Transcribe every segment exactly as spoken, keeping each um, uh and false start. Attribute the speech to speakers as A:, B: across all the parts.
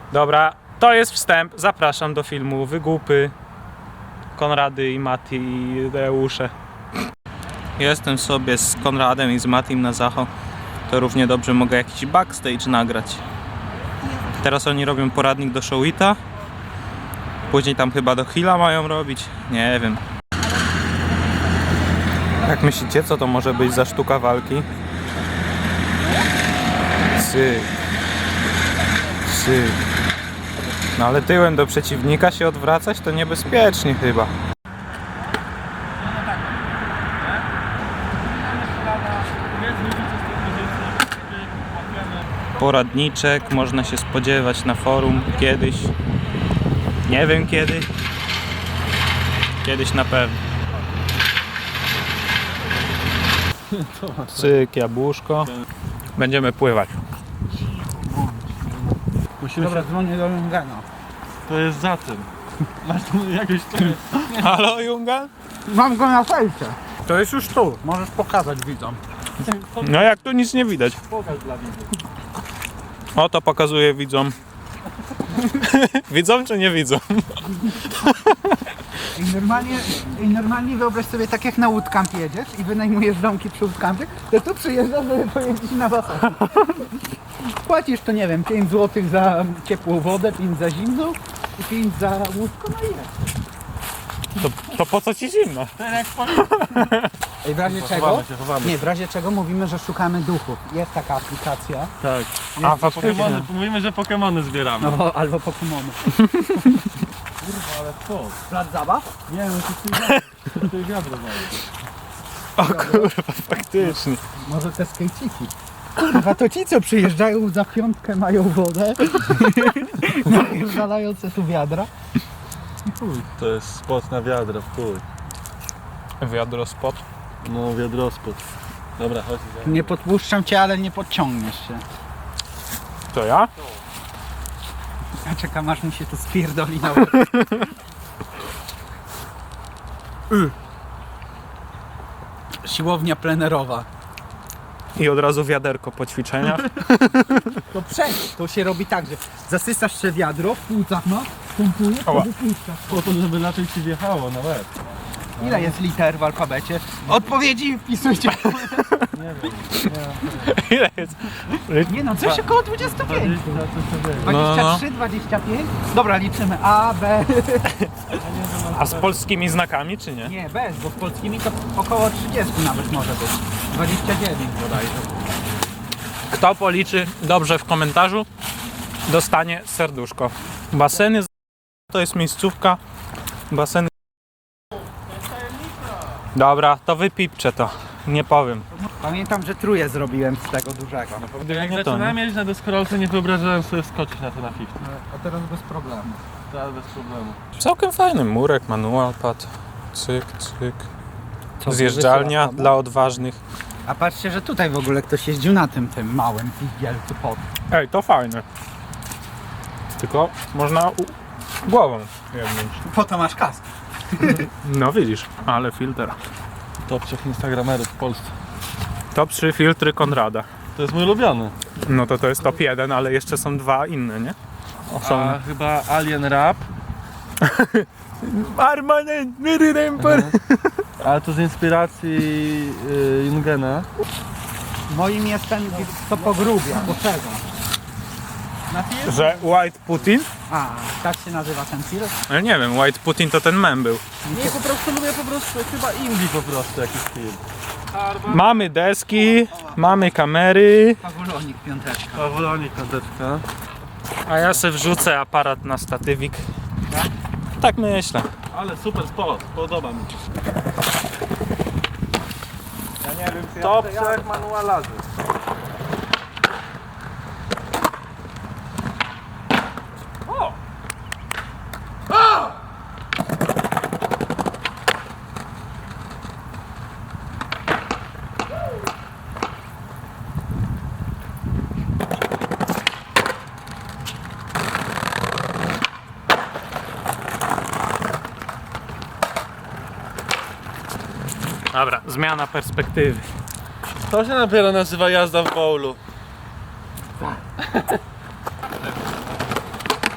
A: Dobra, to jest wstęp. Zapraszam do filmu Wygłupy Konrady i Mati i Deusze. Jestem sobie z Konradem i z Matim na Zacho. To równie dobrze mogę jakiś backstage nagrać. Teraz oni robią poradnik do Showita. Później tam chyba do Hilla mają robić. Nie wiem. Jak myślicie, co to może być za sztuka walki? Syk. Syk. No ale tyłem do przeciwnika się odwracać to niebezpiecznie chyba. Poradniczek można się spodziewać na forum kiedyś. Nie wiem kiedy. Kiedyś na pewno. Cyk, jabłuszko. Będziemy pływać.
B: Musimy
C: Dobra,
B: się...
C: dzwonię do Jungana.
B: To jest za tym. Masz tu jakieś...
A: Halo, Jungan?
C: Mam go na fejsie.
A: To jest już tu.
C: Możesz pokazać widzom.
A: No jak tu nic nie widać.
B: Pokaż dla widzów.
A: O, to pokazuję widzom. Widzą czy nie widzą?
C: I normalnie, I normalnie wyobraź sobie, tak jak na Woodcampie jedziesz i wynajmujesz domki przy Woodcampie, to tu przyjeżdżasz, żeby pojeździć na basen. Płacisz to, nie wiem, pięć złotych za ciepłą wodę, pięć za zimną i pięć za łóżko, no i jest.
A: To, to po co ci zimno?
C: Ej, w razie czego?
B: Chowamy się, chowamy
C: Nie, w razie czego mówimy, że szukamy duchów. Jest taka aplikacja.
B: Tak.
A: A,
B: A, Pokemony, mówimy, że Pokemony zbieramy.
C: No, albo Pokemony.
B: Kurwa, ale co?
C: Plac zabaw?
B: Nie no, to jest wiadro. To jest wiadro mają.
A: O kurwa, faktycznie.
C: Może te skejciki. Kurwa, to ci, co przyjeżdżają za piątkę, mają wodę. Zalające tu wiadra.
B: Chuj. To jest spot na wiadro, chuj.
A: Wiadro spod.
B: No, wiadrospot. Dobra, chodź.
C: Nie podpuszczam cię, ale nie podciągniesz się.
A: To ja?
C: Ja czekam, aż mi się to spierdoli na łeb. Y. Siłownia plenerowa.
A: I od razu wiaderko po ćwiczeniach.
C: To przejdź. To się robi tak, że zasysasz się wiadro, w płucach masz, pompujesz, to
A: Ała.
C: wypuszczasz.
B: Po to, żeby raczej ci wjechało na łeb.
C: Ile jest liter w alfabecie? Odpowiedzi wpisujcie.
B: Nie wiem.
A: Ile jest?
C: Nie no, coś około dwadzieścia pięć.
B: dwadzieścia, coś takiego.
A: No, no.
C: dwadzieścia trzy, dwadzieścia pięć. Dobra, liczymy A, B.
A: A z polskimi znakami czy nie?
C: Nie, bez, bo z polskimi to około trzydzieści nawet może być. dwadzieścia dziewięć bodajże.
A: Kto policzy dobrze w komentarzu, dostanie serduszko. Baseny to jest miejscówka. Baseny. Dobra, to wypipczę to. Nie powiem.
C: Pamiętam, że truje zrobiłem z tego dużego.
B: Jak
A: Nie to,
B: zaczynałem
A: nie?
B: jeździć na deskorolce, nie wyobrażałem sobie skoczyć na to na fifty.
C: A teraz bez problemu.
B: Tak, bez problemu.
A: Całkiem fajny murek, manual pad. Cyk, cyk.
C: Co,
A: Zjeżdżalnia
C: wysyła
A: dla odważnych.
C: A patrzcie, że tutaj w ogóle ktoś jeździł na tym, tym małym pizgielcu pod.
A: Ej, to fajne. Tylko można u... głową jebnąć.
C: Po to masz kask.
A: No widzisz, ale filtr.
B: Top trzech instagramerów w Polsce.
A: Top trzy filtry Konrada.
B: To jest mój ulubiony.
A: No to to jest top jeden, ale jeszcze są dwa inne, nie? Są.
B: A chyba Alien Rap.
A: Permanent Mirror.
B: Ale to z inspiracji y, Jungena.
C: Moim jest ten, co pogrubia. Po czego? Na film?
A: Że White Putin?
C: A, tak się nazywa ten film?
A: Ale nie wiem, White Putin to ten mem był.
B: Nie, po prostu lubię po prostu, chyba indie po prostu jakiś film.
A: Mamy deski, mamy kamery,
C: Pawulonik piąteczka.
B: Pawulonik, kanteczka.
A: a ja se wrzucę aparat na statywik. Tak myślę.
B: Ale super spot, podoba mi się.
A: Ja nie wiem, czy
B: Top trzech manualarzy.
A: O! Dobra, zmiana perspektywy.
B: To się dopiero nazywa jazda w bowlu.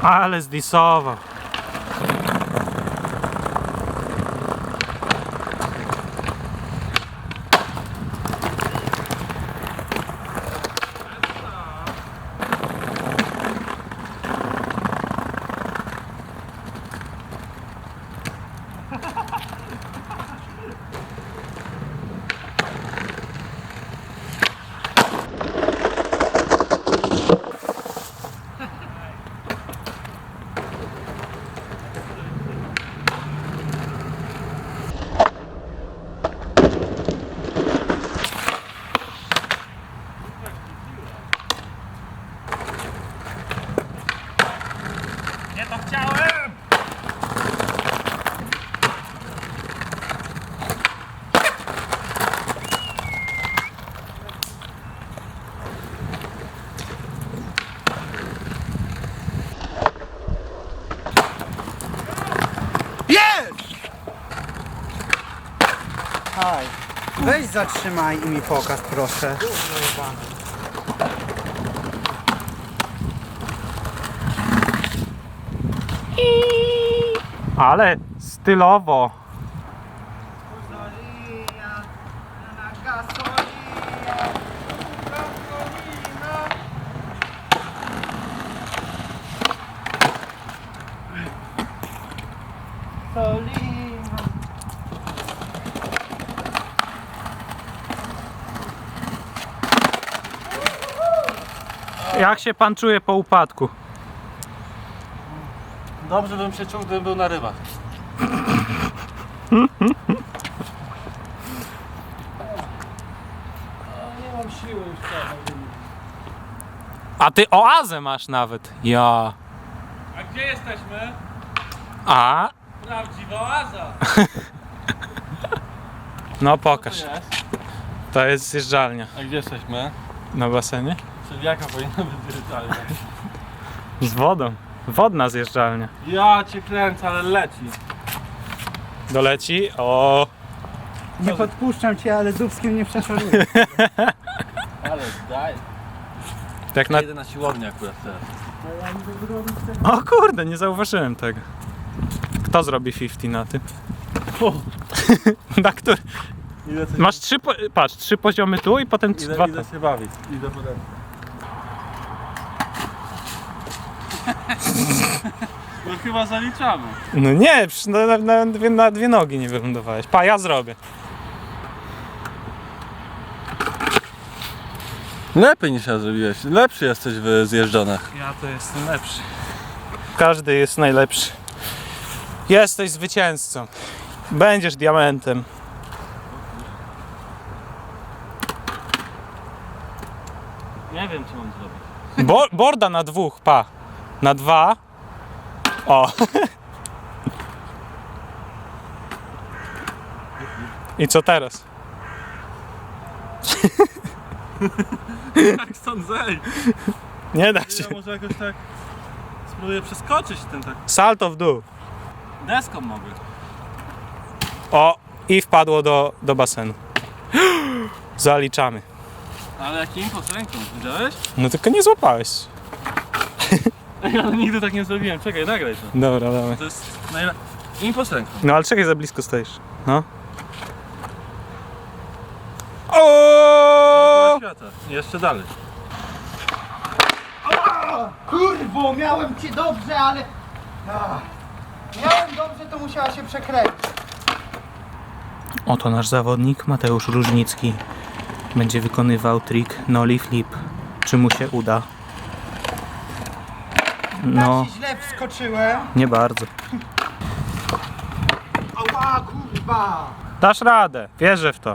A: Ale zdisował. Nie to chciałem!
C: Jest! Haj. Weź zatrzymaj i mi pokaż, proszę.
A: Ale stylowo. Jak się pan czuje po upadku?
B: Dobrze bym się czuł, gdybym był na rybach. Nie mam siły już teraz.
A: A ty oazę masz nawet. Ja.
B: A gdzie jesteśmy?
A: A?
B: Prawdziwa oaza.
A: No
B: Co
A: pokaż.
B: to jest?
A: To jest zjeżdżalnia.
B: A gdzie jesteśmy?
A: Na basenie?
B: Czyli jaka powinna być zjeżdżalnia?
A: Z wodą. Wodna zjeżdżalnia.
B: Ja cię kręcę, ale leci.
A: Doleci. O.
C: Nie podpuszczam cię, ale dubskiem nie przeszaruję.
B: Ale daj.
A: Tak na...
B: Na... Jedę na siłownię akurat teraz.
A: O kurde, nie zauważyłem tego. Kto zrobi pięćdziesiąt na tym?
B: O,
A: Na który?
B: idę coś...
A: Masz trzy, po... patrz, trzy poziomy tu i potem
B: Idę,
A: dwa
B: idę
A: tam.
B: się bawić. Idę potem. No chyba zaliczamy.
A: No nie, przecież na, na, na, dwie, na dwie nogi nie wylądowałeś. Pa, ja zrobię.
B: Lepiej niż ja zrobiłeś. Lepszy jesteś w zjeżdżonach.
A: Ja to jestem lepszy. Każdy jest najlepszy. Jesteś zwycięzcą. Będziesz diamentem.
B: Nie wiem, co mam zrobić.
A: Bo, borda na dwóch, pa. Na dwa. O. I co teraz?
B: Jak stąd zejść?
A: Nie da się.
B: Ja może jakoś tak spróbuję przeskoczyć ten tak.
A: Salto w dół.
B: Deską mogę.
A: O. I wpadło do, do basenu. Zaliczamy.
B: Ale jaki impuls ręką, widziałeś?
A: No tylko nie złapałeś.
B: Ja nigdy tak nie zrobiłem. Czekaj, nagraj to.
A: Dobra, dawaj.
B: To jest najle... impuls ręką.
A: No ale czekaj, za blisko stoisz. No. O!
B: Świata. Jeszcze dalej.
C: Kurwo, miałem cię dobrze, ale... Ach. Miałem dobrze, to musiała się przekręcić.
A: Oto nasz zawodnik Mateusz Różnicki będzie wykonywał trik nollie flip. Czy mu się uda? No,
C: Tak się źle wskoczyłem.
A: nie bardzo.
C: Ała, kurwa!
A: Dasz radę, wierzę w to.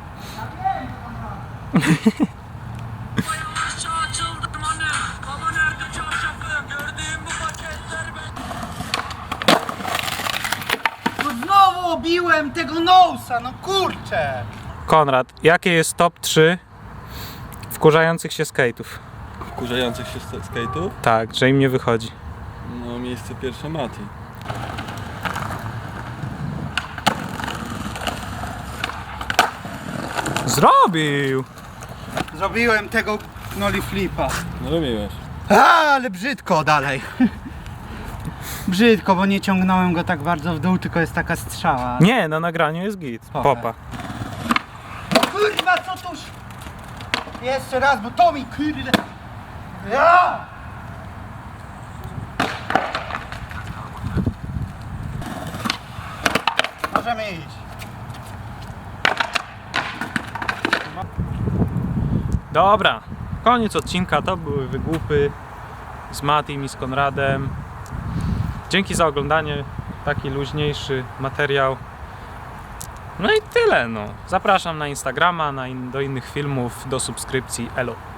C: No znowu obiłem tego nosa, no kurczę!
A: Konrad, jakie jest top trzy wkurzających się skate'ów?
B: Wkurzających się sk- skate'ów?
A: Tak, że im nie wychodzi.
B: No miejsce pierwsze Mati.
A: Zrobił!
C: Zrobiłem tego nollie flipa.
B: No robiłeś.
C: A, ale brzydko dalej. Brzydko, bo nie ciągnąłem go tak bardzo w dół, tylko jest taka strzała.
A: Nie, na nagraniu jest git.
C: Popa.
A: Popa.
C: Kurwa, co tuż? Jeszcze raz, bo to mi kurde. Ja! Możemy iść.
A: Dobra, koniec odcinka, to były wygłupy z Matim i z Konradem. Dzięki za oglądanie, taki luźniejszy materiał. No i tyle, no. Zapraszam na Instagrama, na in do innych filmów, do subskrypcji. Elo.